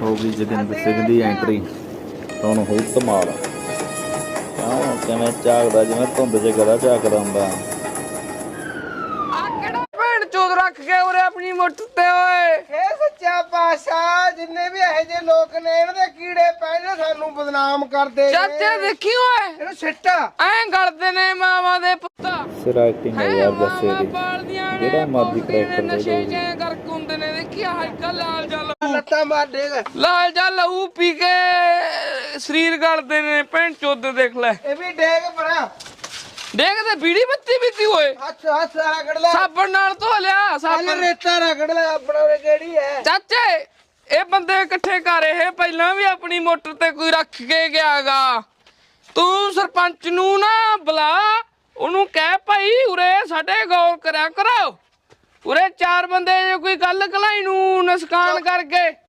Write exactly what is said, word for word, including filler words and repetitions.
ਹੋ ਗਈ ਜੋਗਿੰਦਰ ਸਿੰਘ ਦੀ ਐਂਟਰੀ। ਹੁਣ ਹੋਈ ਧਮਾਲ। ਕਿਉਂ ਕਿਵੇਂ ਝਾਕਦਾ ਜਿਵੇਂ ਧੁੰਦ 'ਚ ਗਧਾ ਝਾਕਦਾ ਹੁੰਦਾ। ਭੈਣ ਚੋਦ ਰੱਖ ਕੇ ਉਰੇ ਆਪਣੀ ਮੁੱਠ ਤੇ ਓਏ। ਇਹ ਸੱਚਾ ਪਾਤਸ਼ਾਹ ਜਿੰਨੇ ਵੀ ਇਹੋ ਜਿਹੇ ਲੋਕ ਨੇ ਇਹਨਾਂ ਦੇ ਕੀੜੇ ਪੈ ਜਾਣ ਸਾਨੂੰ ਬਦਨਾਮ ਕਰਦੇ ਨੇ। ਚਾਚੇ ਦੇਖੀ ਓਏ ਇਹਨੂੰ ਸਿੱਟਾ ਐਂ ਗਲਦੇ ਨੇ ਮਾਵਾਂ ਦੇ ਪੁੱਤਾ। ਸਿਰ ਐਕਟਿੰਗ ਹੈ ਯਾਰ ਜੱਸੇ ਦੀ, ਜਿਹੜਾ ਮਰਜ਼ੀ ਕਰੈਕਟਰ ਦੇ ਨਸ਼ੇ ਦਿਓ। ਚ ਗਰਕ ਹੁੰਦੇ ਨੇ। ਦੇਖੀ ਹਾਈਕਾ ਲਾਲ ਜਲ ਲੱਤਾਂ ਮਾਰ ਦੇਗਾ। ਲਾਲ ਜਲ ਲਹੂ ਪੀ ਕੇ ਸਰੀਰ ਗਲਦੇ ਨੇ। ਭੈਣ ਚੋਦ ਦੇਖ ਲੈ ਇਹ ਵੀ ਡੇਗ ਬਣਾ ਦੇਖ ਤੇ ਬੀੜੀ ਬੱਤੀ ਪੀਤੀ ਹੋਏ। ਹੱਥ ਹੱਥ ਰਗੜ ਲੈ। ਸਾਬਣ ਨਾਲ ਧੋ ਲਿਆ ਪਹਿਲਾਂ ਸਾਬਣ। ਰੇਤਾ ਰਗੜ ਲੈ ਆਪਣਾ ਉਰੇ ਕਿਹੜੀ ਹੈ। ਚਾਚੇ ਇਹ ਬੰਦੇ ਇਕੱਠੇ ਕਰ ਇਹ ਪਹਿਲਾਂ ਵੀ ਆਪਣੀ ਮੋਟਰ ਤੇ ਕੋਈ ਰੱਖ ਕੇ ਗਿਆਗਾ। ਤੂੰ ਸਰਪੰਚ ਨੂੰ ਨਾ ਬੁਲਾ, ਉਹਨੂੰ ਕਹਿ ਭਾਈ ਉਰੇ ਸਾਡੇ ਗੌਰ ਕਰਿਆ ਕਰੋ। ਉਰੇ ਚਾਰ ਬੰਦੇ ਜੇ ਕੋਈ ਗੱਲ ਕਲਾਈ ਨੂੰ ਨੁਕਸਾਨ ਕਰਕੇ